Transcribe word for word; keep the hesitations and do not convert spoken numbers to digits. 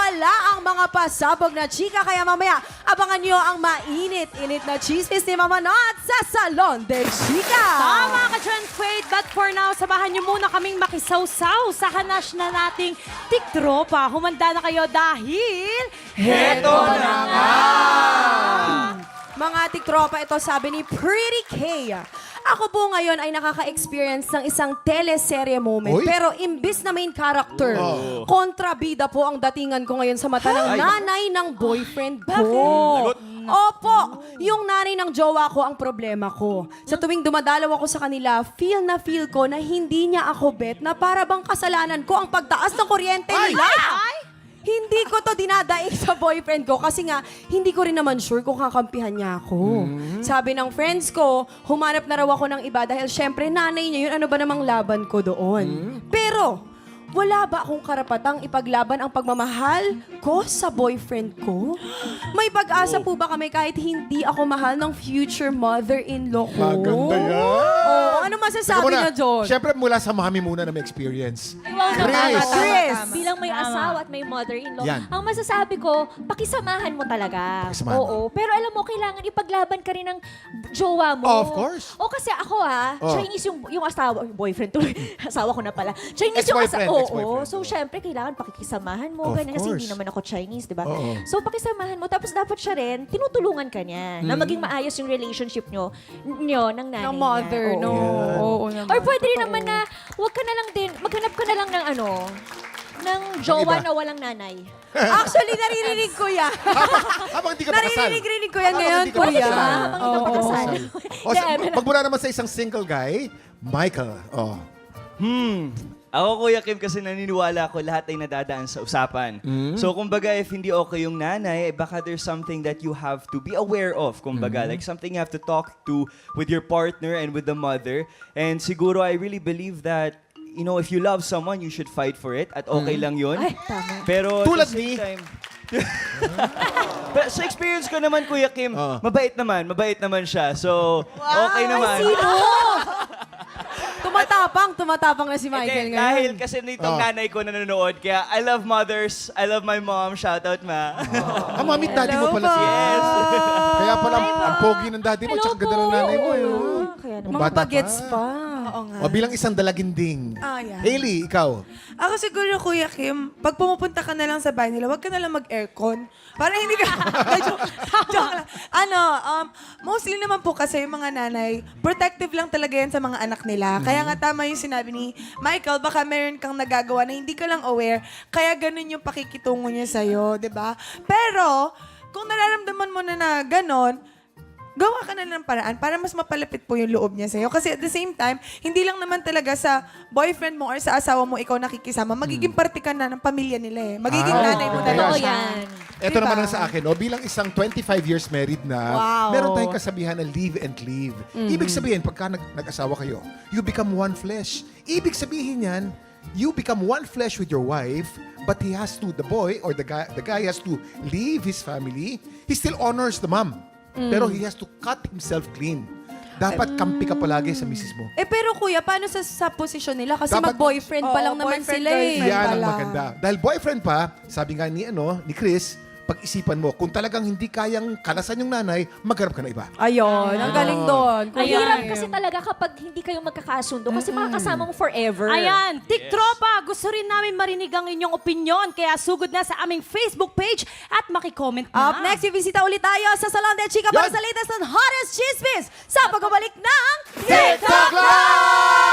wala ang mga pasabog na chika. Kaya mamaya, abangan nyo ang mainit-init na chismis ni Mama Not sa Salon de Chika. Tama ka dyan, Quaid. But for now, samahan niyo muna kaming makisawsaw sa hanash na nating tiktropa. Humanda na kayo dahil... Heto na nga! Mga tiktropa, ito sabi ni Pretty K. Ako po ngayon ay nakaka-experience ng isang teleserye moment. Uy. Pero imbis na main character, Oh. kontrabida po ang datingan ko ngayon sa mata ng Ay. nanay ng boyfriend ko. Opo, yung nanay ng jowa ko ang problema ko. Sa tuwing dumadalaw ako sa kanila, feel na feel ko na hindi niya ako bet na para bang kasalanan ko ang pagtaas ng kuryente Ay! nila. Hindi ko to dinadaig sa boyfriend ko kasi nga hindi ko rin naman sure kung kakampihan niya ako. Sabi ng friends ko, humanap na raw ako ng iba dahil syempre nanay niya yun, ano ba namang laban ko doon. Pero, wala ba akong karapatang ipaglaban ang pagmamahal ko sa boyfriend ko? May pag-asa po ba kami kahit hindi ako mahal ng future mother-in-law ko? Maganda yan. Oo, ano Teka masasabi muna, niya, John? Siyempre mula sa mami muna na may experience. Wow, Chris. naman. Chris. Bilang may asawa at may mother-in-law, Yan. ang masasabi ko, pakisamahan mo talaga. Pakisamahan. Oo. Pero alam mo, kailangan ipaglaban ka rin ng jowa mo. Oh, of course. O kasi ako ha, Oh. Chinese yung, yung asawa, yung boyfriend tuloy. Asawa ko na pala. Chinese yung Ex-boyfriend, asawa. Oo. ex-boyfriend. So, syempre, kailangan pakikisamahan mo. Of Ganyan, kasi hindi course. naman ako Chinese, di ba? Oo. So, pakisamahan mo. Tapos dapat siya rin, tinutulungan ka niya na Mm. maging maayos yung relationship nyo, nyo ng nanay Ng niya. mother, Oo. no? Yeah. Oo naman. Or pwede rin Totoo. naman na, wag ka na lang din, maghanap ka na lang ng ano, ng jowa iba. na walang nanay. Actually, naririnig ko yan. Habang hindi ka pa kasal. Naririnig-rinig ko yan Habang ngayon, hindi ka pa kuya. kasal. Habang hindi ka pa Oo. kasal. O, sa, magmula naman sa isang single guy, Michael. Oh. Hmm. Ako, Kuya Kim, kasi naniniwala ko lahat ay nadadaan sa usapan. So, kumbaga, if hindi okay yung nanay, eh, baka there's something that you have to be aware of. Kumbaga, like something you have to talk to with your partner and with the mother. And siguro, I really believe that, you know, if you love someone, you should fight for it. At okay lang yun. Ay, tama. Pero, at Tulad the ni- same time... Pero sa experience ko naman, Kuya Kim, Oo. mabait naman. Mabait naman siya. So, okay naman. Tumatapang, tumatapang na si Michael Hindi, ngayon. dahil kasi nitong Oh. nanay ko na nanonood, kaya I love mothers, I love my mom, shout out ma. Ah, mami, daddy mo pala siya. Yes. Kaya pala, ang pogi ng daddy mo, Hello tsaka ganda ng po. nanay mo. Oo. Yun. Kaya naman. Mga Bata bagets pa. pa. Oo nga. O bilang isang dalaginding. Ah, yeah. Hailey, ikaw. Ako siguro, Kuya Kim, pag pumupunta ka na lang sa bahay nila, huwag ka na lang mag-aircon. Para hindi ka... joke, joke lang. Ano, um, mostly naman po kasi yung mga nanay, protective lang talaga yan sa mga anak nila. Kaya nga tama yung sinabi ni Michael, baka meron kang nagagawa na hindi ka lang aware, kaya ganun yung pakikitungo niya sa'yo, di ba? Pero, kung nararamdaman mo na na ganon, gawa ka na ng paraan para mas mapalapit po yung loob niya sa'yo. Kasi at the same time, hindi lang naman talaga sa boyfriend mo or sa asawa mo ikaw nakikisama. Magiging parte ka na ng pamilya nila eh. Magiging Ah, nanay mo okay. na Totoo siya. yan. Ito Diba? naman ang sa akin, o, bilang isang twenty-five years married na, Wow. meron tayong kasabihan na live and live. Ibig sabihin, pagka nag- nag-asawa kayo, you become one flesh. Ibig sabihin yan, you become one flesh with your wife, but he has to, the boy or the guy, the guy has to leave his family. He still honors the mom, pero he has to cut himself clean. Dapat kampi ka palagi sa misis mo. Eh pero kuya, paano sa, sa posisyon nila? Kasi Dapat- mag-boyfriend pa Oo, lang naman boyfriend, sila eh. girlfriend. Yan ang pala. maganda. Dahil boyfriend pa, sabi nga ni, ano, ni Chris, pag-isipan mo, kung talagang hindi kayang kalasan yung nanay, magharap ka na iba. Ayun, ang galing doon. Ang kuya. hirap kasi talaga kapag hindi kayo magkakasundo kasi makakasama mo forever. Ayan, tiktropa, gusto rin namin marinig ang inyong opinion. Kaya sugod na sa aming Facebook page at makicomment na. Up next, bibisita ulit tayo sa Salon de Chica para Yan. sa latest and hottest chismis sa pagbabalik ng TikTok Live!